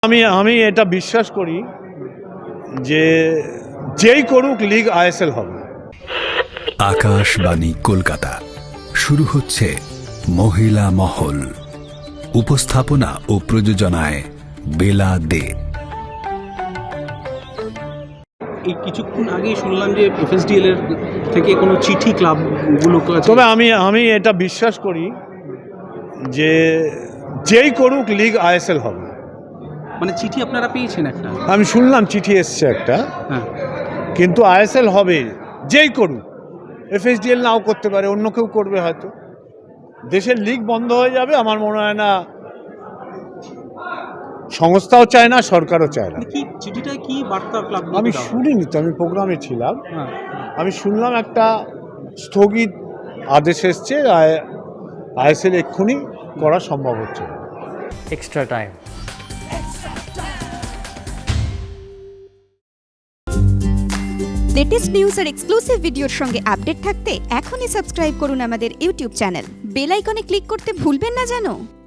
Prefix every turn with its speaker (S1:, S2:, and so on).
S1: আমি এটা বিশ্বাস করি যে যেই করুক লিগ আইএসএল হবে।
S2: আকাশবাণী কলকাতা শুরু হচ্ছে মহিলা মহল। উপস্থাপনা ও প্রযোজনায় বেলা দে।
S3: এই কিছুক্ষণ আগেই শুনলাম যে এফএসডিএল এর থেকে কোনো চিঠি ক্লাবগুলো
S1: তবে আমি এটা বিশ্বাস করি যে যেই করুক লিগ আইএসএল হবে।
S3: মানে চিঠি আপনারা পেয়েছেন একটা?
S1: আমি শুনলাম চিঠি এসছে একটা,
S3: হ্যাঁ,
S1: কিন্তু আইএসএল হবে যেই করুক। এফএসডিএল নাও করতে পারে, অন্য কেউ করবে হয়তো। দেশের লিগ বন্ধ হয়ে যাবে আমার মনে হয় না, সংস্থাও চায় না, সরকারও চায় না।
S3: কি চিঠিটায় কি বার্তা ক্লাব?
S1: আমি শুনিনি তো, আমি প্রোগ্রামে ছিলাম।
S3: হ্যাঁ,
S1: আমি শুনলাম একটা স্থগিত আদেশ এসছে, আইএসএল এক্ষুনি করা সম্ভব হচ্ছে।
S4: extra time.
S5: লেটেস্ট নিউজ আর এক্সক্লুসিভ ভিডিওর সঙ্গে আপডেট থাকতে এখনই সাবস্ক্রাইব করুন আমাদের ইউটিউব চ্যানেল। বেল আইকনে ক্লিক করতে ভুলবেন না যেন।